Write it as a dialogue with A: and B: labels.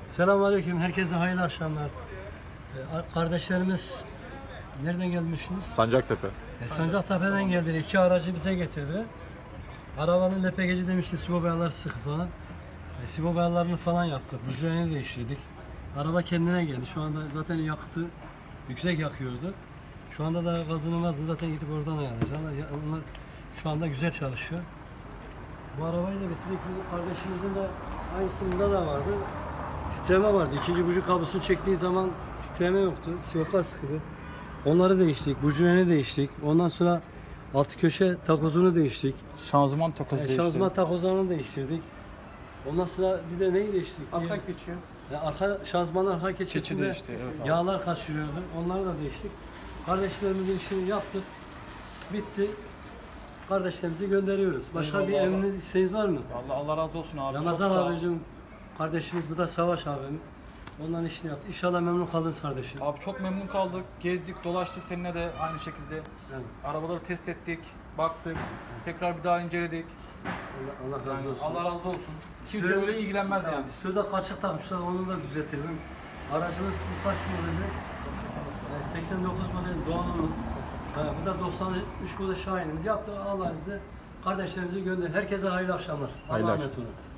A: Selamünaleyküm. Herkese hayırlı akşamlar. Kardeşlerimiz nereden gelmişsiniz?
B: Sancaktepe.
A: Sancaktepe'den geldiler. 2 aracı bize getirdiler. Arabanın LPG'ci demişti, sigorta boyaları sıkı falan. Sigorta boyalarını falan yaptık. Bujilerini değiştirdik. Araba kendine geldi. Şu anda zaten yakıtı yüksek yakıyordu. Şu anda da gazını zaten gidip oradan ayarlayacaklar. Onlar şu anda güzel çalışıyor. Bu arabayı da bitirdik. Bu kardeşimizin de aynısında da vardı. Titreme vardı. İkinci buji kablosunu çektiği zaman titreme yoktu. Siyoplar sıkıydı. Onları değiştik. Bujilerini değiştik. Ondan sonra altı köşe takozunu değiştik.
B: Şanzıman takozu değişti.
A: Şanzıman takozlarını değiştirdik. Ondan sonra bir de neyi değiştik?
B: Arka geçiyor.
A: Arka şanzımanın arka
B: Keçi
A: keçesinde
B: değişti, evet abi.
A: yağlar kaçırıyordu. Onları da değiştik. Kardeşlerimizin işini yaptık. Bitti. Kardeşlerimizi gönderiyoruz. Başka bir
B: Eyvallah.
A: emriniz, isteğiniz var mı?
B: Allah razı olsun abi.
A: Ramazan
B: Çok sağ ol.
A: abicim, kardeşimiz, bu da Savaş abim. Onların işini yaptı. İnşallah memnun kaldınız kardeşim.
B: Abi çok memnun kaldık. Gezdik, dolaştık seninle de aynı şekilde.
A: Evet.
B: Arabaları test ettik, baktık. Tekrar bir daha inceledik.
A: Allah razı olsun.
B: Allah razı olsun. Kimse
A: Display'de-
B: öyle ilgilenmez yani.
A: Display'de kaçık takmışlar, onu da düzeltelim. Aracımız bu kaç modeli? 89 model Doğan'ımız. Bu da 93 model Şahin'imiz. Yaptık Allah'ın izniyle. Kardeşlerimizi gönder. Herkese hayırlı akşamlar.
B: Hayırlı
A: Allah'a emanet olun.